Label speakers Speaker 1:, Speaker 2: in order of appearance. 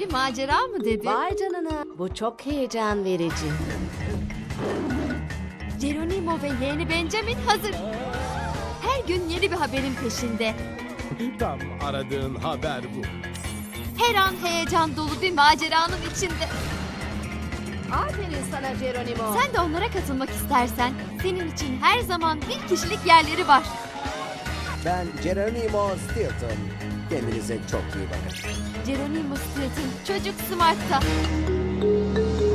Speaker 1: Biri macera mı dedi?
Speaker 2: Vay canına, bu çok heyecan verici.
Speaker 1: Geronimo ve yeğeni Benjamin hazır. Her gün yeni bir haberin peşinde.
Speaker 3: Tam aradığın haber bu.
Speaker 1: Her an heyecan dolu bir maceranın içinde.
Speaker 2: Aferin sana Geronimo.
Speaker 1: Sen de onlara katılmak istersen senin için her zaman bir kişilik yerleri var.
Speaker 4: Ben Geronimo Stilton. Kendinize çok iyi bakın.
Speaker 1: Geronimo Stilton Çocuk Smart'ta.